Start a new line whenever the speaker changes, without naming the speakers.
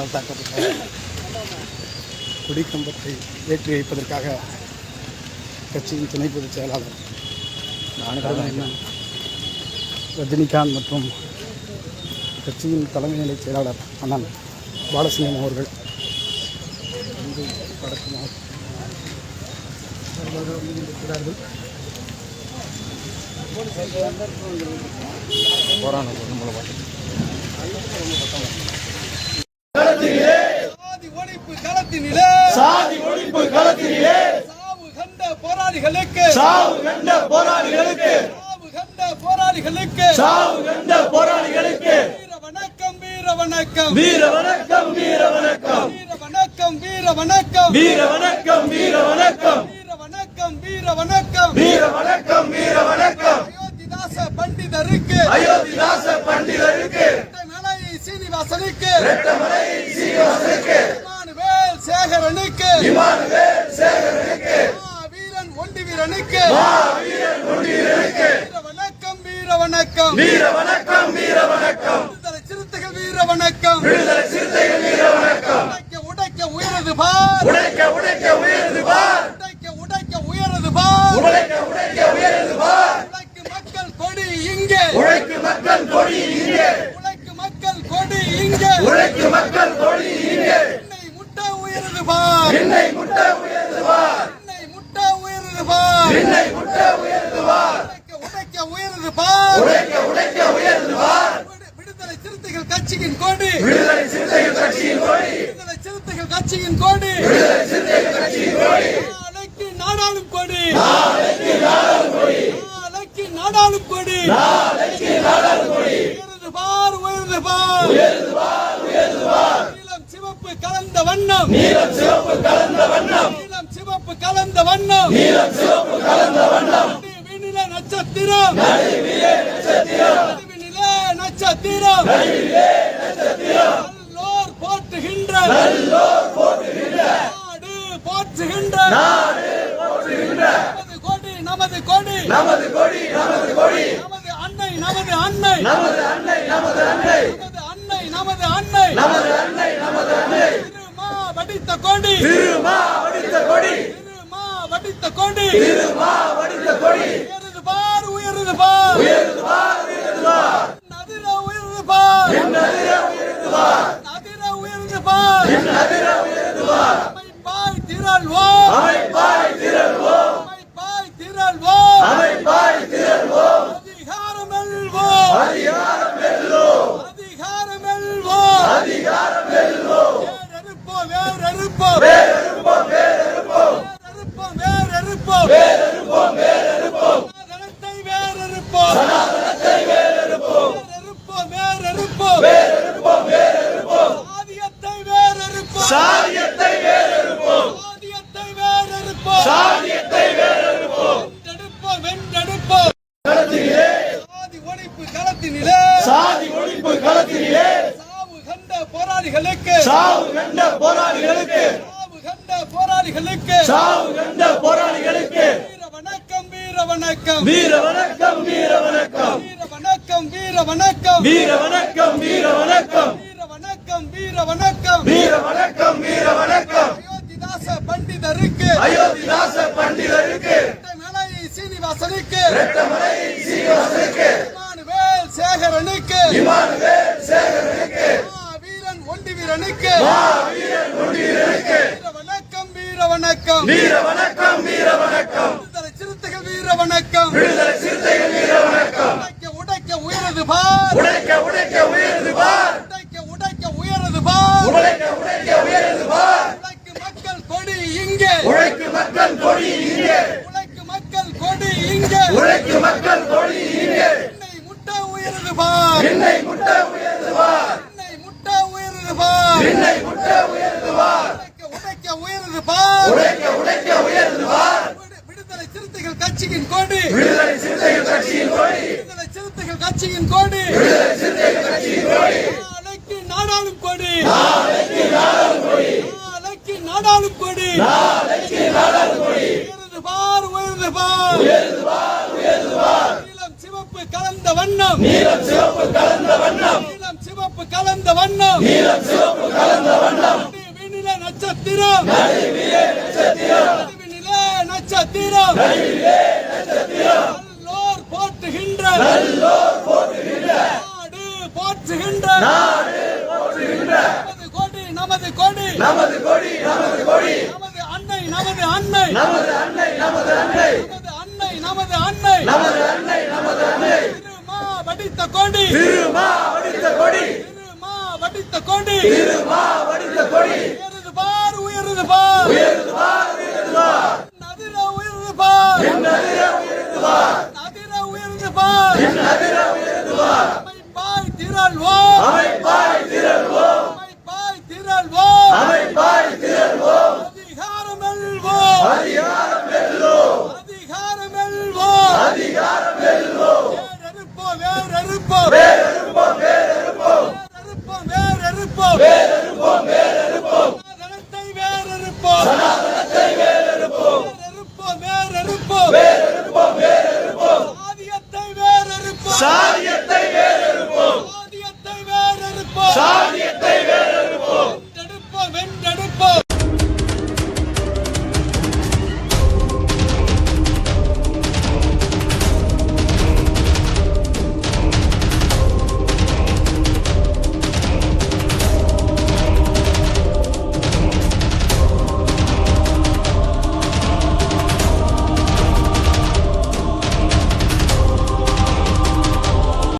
போலீசாரால் தாக்கப்பட்டார். கொடிக்கம்பத்தை ஏற்றி வைப்பதற்காக கட்சியின் துணை பொதுச் செயலாளர் ரஜினிகாந்த் மற்றும் கட்சியின் தலைமை நிலை செயலாளர் அண்ணன் பாலசிங்கம் அவர்கள் வந்து வடக்கு இருக்கிறார்கள்.
சாதி ஒழிப்பு களத்திலே சாவு கண்ட போராளிகளுக்கு வீர வணக்கம் வீர வணக்கம் வீர வணக்கம் வீர வணக்கம் வீர வணக்கம் வீர வணக்கம் வீர வணக்கம் வீர வணக்கம் வீர வணக்கம் வீர வணக்கம் வீர வணக்கம் அயோத்திதாச பண்டிதருக்கு ரெட்டமலை சீனிவாசனுக்கு இமானுவேல் சேகரனுக்கு வீரன் ஒண்டி வீரனுக்கு வீர வணக்கம் வீர வணக்கம் வீர வணக்கம் வீர வணக்கம் விடுதலை சிறுத்தைகள் வீர வணக்கம் உடைக்க உயரது பார் உடைக்க உயரது பார் உழைக்கு மக்கள் கொடி இங்கே உழைக்கு மக்கள் கொடி இங்கே என்னை முட்ட உயரது பார் உடைக்க உயரது பார் விடுதலை சிறுத்தைகள் கட்சியின் கொடி நாளைக்கு நாடாளும் கொடி உயர்ந்து பார் நீலம் சிவப்பு கலந்த வண்ணம் நடுவினிலே நட்சத்திரம் நல்லோர் போற்றுகின்ற நமது கொடி நமது அன்னை திருமா வடித்த கொடி உயர்ந்து பார் நதிர உயர்ந்து பார் அமைப்பாய் திரள்வோம் அதிகாரம் வெல்வோம் சாதியத்தை வேறறுப்போம் வென்றெடுப்போம் சாதி ஒழிப்பு களத்திலே சாவு கண்ட போராளிகளுக்கு வீர வணக்கம் அயோத்திதாச பண்டிதருக்கு ரெட்டமலை சீனிவாசனுக்கு இமானுவேல் சேகரனுக்கு வீரன் ஒண்டி வீரனுக்கு வீர வணக்கம் விடுதலை சிறுத்தைகள் வீர வணக்கம் உடைக்க உயரது பார் உடைக்க உயரது பார் உழைக்கு மக்கள் கொடி இங்கே என்னை முட்ட உயரது பார் உடைக்க உயரது பார் விடுதலை சிறுத்தைகள் கட்சியின் கொடி நாளைக்கு நாடாளும் கொடி உயர்ந்து பார் நீலம் சிவப்பு கலந்த வண்ணம் நட்சத்திரம் நல்லோர் போற்றுகின்ற நாடு போற்றுகின்ற நமது கொடி நமது அன்னை நமது அன்னை திருமா வடித்த கொடி உயருது பார் நதிர உயருது பார் அமைப்பாய் திரள்வோம் அதிகாரம் வெல்வோம் வேறறுப்போம் சனாதனத்தை வேறறுப்போம் சாதியத்தை வேறறுப்போம்